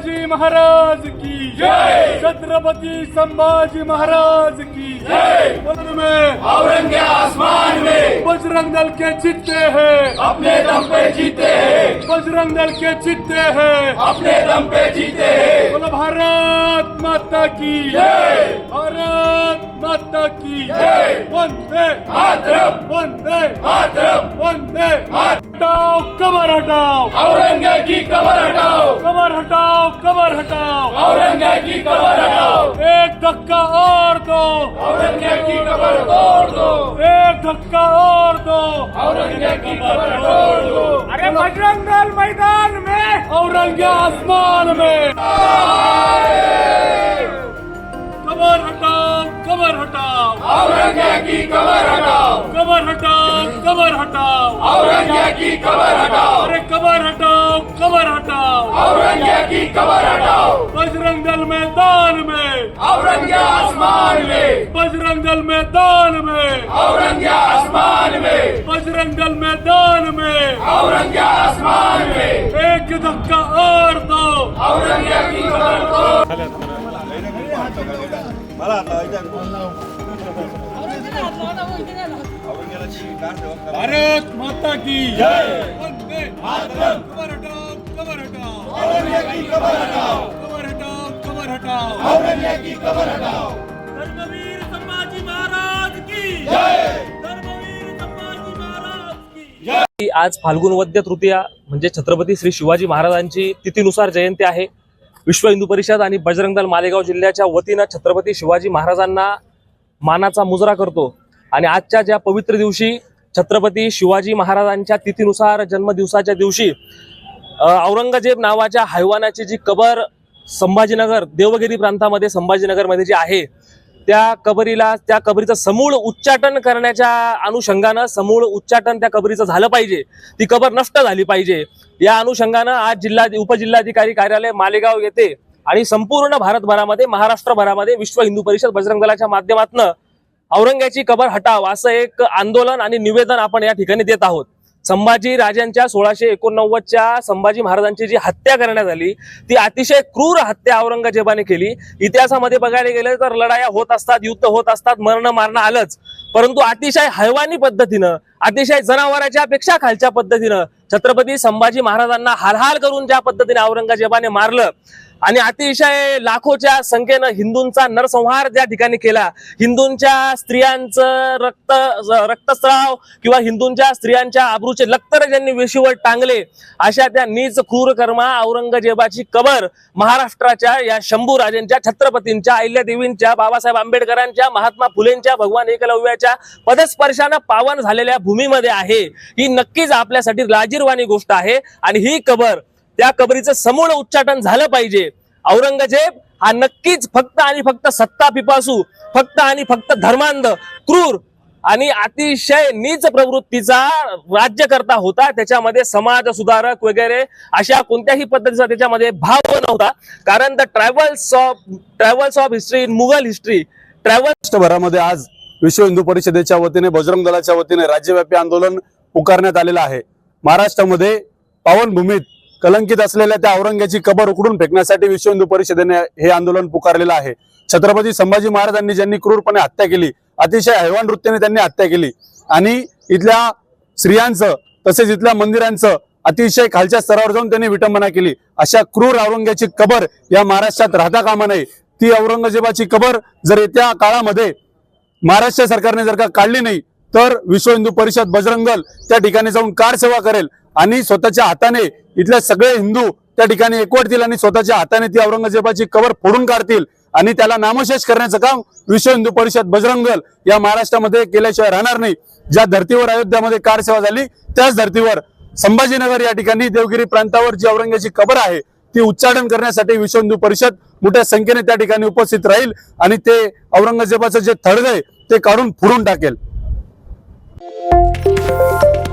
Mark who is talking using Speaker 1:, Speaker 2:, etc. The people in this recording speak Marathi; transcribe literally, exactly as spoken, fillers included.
Speaker 1: शिवाजी महाराज की जय, छत्रपति संभाजी महाराज की जय। में
Speaker 2: औरंग आसमान में
Speaker 1: बजरंग दल के जीते हैं,
Speaker 2: अपने दम पे जीते हैं,
Speaker 1: बजरंग दल के जीते हैं,
Speaker 2: अपने दम पे जीते हैं।
Speaker 1: बोलो भारत माता की
Speaker 2: जय,
Speaker 1: भारत माता की
Speaker 2: जय।
Speaker 1: वंदे
Speaker 2: मातरम,
Speaker 1: वंदे
Speaker 2: मातरम,
Speaker 1: वंदे
Speaker 2: मातरम।
Speaker 1: हटाओ कमर हटाओ,
Speaker 2: औरंग की कमर हटाओ,
Speaker 1: कमर हटाओ, कमर हटाओ,
Speaker 2: औरंग की कमर हटाओ,
Speaker 1: एक धक्का और दो,
Speaker 2: औरंग की कमर तोड़ दो,
Speaker 1: एक धक्का और दो,
Speaker 2: औरंग की कमर तोड़ दो।
Speaker 1: अरे बजरंग दल मैदान में, औरंग आसमान में। कमर हटाओ, कमर हटाओ,
Speaker 2: औरंग की कमर हटाओ,
Speaker 1: कमर हटाओ, कमर हटाओ,
Speaker 2: औरंग की कमर हटाओ,
Speaker 1: अरे कमर हटाओ, कमर हटाओ,
Speaker 2: औरंग की कमर हटाओ।
Speaker 1: बजरंग दल मैदान में,
Speaker 2: औरंग आसमान में,
Speaker 1: बजरंग दल मैदान में,
Speaker 2: औरंग आसमान में,
Speaker 1: बजरंग दल मैदान में,
Speaker 2: औरंग आसमान में,
Speaker 1: एक धक्का और दो,
Speaker 2: औरंग की कमर तोड़।
Speaker 1: भारत माता की
Speaker 2: जय।
Speaker 1: वंदे
Speaker 2: मातरम।
Speaker 1: कमर हटाओ, कमर हटाओ,
Speaker 2: औरंग की कमर हटाओ,
Speaker 1: कमर हटाओ, कमर हटाओ,
Speaker 2: औरंग की कमर हटाओ।
Speaker 1: धर्मवीर संभाजी महाराज की
Speaker 2: जय,
Speaker 1: धर्मवीर संभाजी महाराज की
Speaker 2: जय।
Speaker 3: आज फाल्गुन वद्य तृतीया म्हणजे छत्रपती श्री शिवाजी महाराजांची तिथीनुसार जयंती आहे। विश्व हिंदू परिषद आणि बजरंग दल मालेगाव जिल्ह्याच्या वतीनं छत्रपती शिवाजी महाराजांना मानाचा मुजरा करतो आणि आजच्या ज्या पवित्र दिवशी छत्रपती शिवाजी महाराजांच्या तिथीनुसार जन्मदिवसाच्या दिवशी औरंगजेब नावाच्या हैवानाची जी कबर संभाजीनगर देवगिरी प्रांतामध्ये संभाजीनगरमध्ये जी आहे त्या कबरीला त्या कबरीचं समूळ उच्चाटन करण्याच्या अनुषंगानं समूळ उच्चाटन त्या कबरीचं झालं पाहिजे, ती कबर नष्ट झाली पाहिजे या अनुषंगानं आज जिल्हा उपजिल्हाधिकारी कार्यालय मालेगाव येथे आणि संपूर्ण भारतभरामध्ये महाराष्ट्रभरामध्ये विश्व हिंदू परिषद बजरंग दलाच्या माध्यमातून औरंगाची कबर हटाव असं एक आंदोलन आणि निवेदन आपण या ठिकाणी देत आहोत। संभाजी राजांच्या सोळाशे एकोणनव्वदच्या संभाजी महाराजांची जी हत्या करण्यात आली ती अतिशय क्रूर हत्या औरंगजेबाने केली। इतिहासामध्ये बघायला गेलं तर लढाया होत असतात, युद्ध होत असतात, मरण मारणं आलंच, परंतु अतिशय हैवानी पद्धतीनं अतिशय जनावराच्या पेक्षा खालच्या पद्धतीनं छत्रपती संभाजी महाराजांना हालहाल करून ज्या पद्धतीने औरंगजेबाने मारलं आणि अतिशय लाखोच्या संख्येनं हिंदूंचा नरसंहार ज्या ठिकाणी केला, हिंदूंच्या स्त्रियांचं रक्त रक्तस्राव किंवा हिंदूंच्या स्त्रियांच्या आबरूचे लक्तर ज्यांनी वेशीवर टांगले, अशा त्या नीच क्रूर कर्मा औरंगजेबाची कबर महाराष्ट्राच्या या शंभू राजेंच्या, छत्रपतींच्या, अहिल्यादेवींच्या, बाबासाहेब आंबेडकरांच्या, महात्मा फुलेंच्या, भगवान एकलव्याच्या पदस्पर्शानं पावन झालेल्या भूमीमध्ये आहे। ही नक्कीच आपल्यासाठी लाजिरवाणी गोष्ट आहे आणि ही कबर त्या कबरीचं समूळ उच्चाटन झालं पाहिजे। औरंगजेब हा नक्कीच फक्त आणि फक्त सत्ता पिपासू, फक्त आणि फक्त धर्मांध, क्रूर आणि अतिशय नीच प्रवृत्तीचा राज्यकर्ता होता। त्याच्यामध्ये समाज सुधारक वगैरे अशा कोणत्याही पद्धतीचा त्याच्यामध्ये भाव नव्हता, कारण the travels of travels of history in Mughal history travels
Speaker 4: भरामध्ये आज विश्व हिंदू परिषदेच्या वतीने बजरंग दलाच्या वतीने राज्यव्यापी आंदोलन पुकारण्यात आलेलं आहे। महाराष्ट्रामध्ये पावनभूमीत कलंकित असलेल्या त्या औरंगाची कबर उकडून फेकण्यासाठी विश्व हिंदू परिषदेने हे आंदोलन पुकारलेलं आहे। छत्रपती संभाजी महाराजांनी ज्यांनी क्रूरपणे हत्या केली, अतिशय हैवान वृत्तीने त्यांनी हत्या केली आणि इथल्या स्त्रियांचं तसेच इथल्या मंदिरांचं अतिशय खालच्या स्तरावर जाऊन त्यांनी विटंबना केली, अशा क्रूर औरंगाची कबर या महाराष्ट्रात राहता कामा नये। ती औरंगजेबाची कबर जर येत्या काळामध्ये महाराष्ट्र सरकारने जर का काढली नाही तर विश्व हिंदू परिषद बजरंग दल त्या ठिकाणी जाऊन कार सेवा करेल आणि स्वतःच्या हाताने इथले सगळे हिंदू त्या ठिकाणी एकवटतील आणि स्वतःच्या हाताने ती औरंगजेबाची कबर फोडून काढतील आणि त्याला नामशेष करण्याचं काम विश्व हिंदू परिषद बजरंग दल या महाराष्ट्रामध्ये केल्याशिवाय राहणार नाही। ज्या धर्तीवर अयोध्यामध्ये कार सेवा झाली त्याच धर्तीवर संभाजीनगर या ठिकाणी देवगिरी प्रांतावर जी औरंगाची कबर आहे ती उच्चाटन करण्यासाठी विश्व हिंदू परिषद मोठ्या संख्येने त्या ठिकाणी उपस्थित राहील आणि ते औरंगजेबाचं जे थडग आहे ते काढून फोडून टाकेल।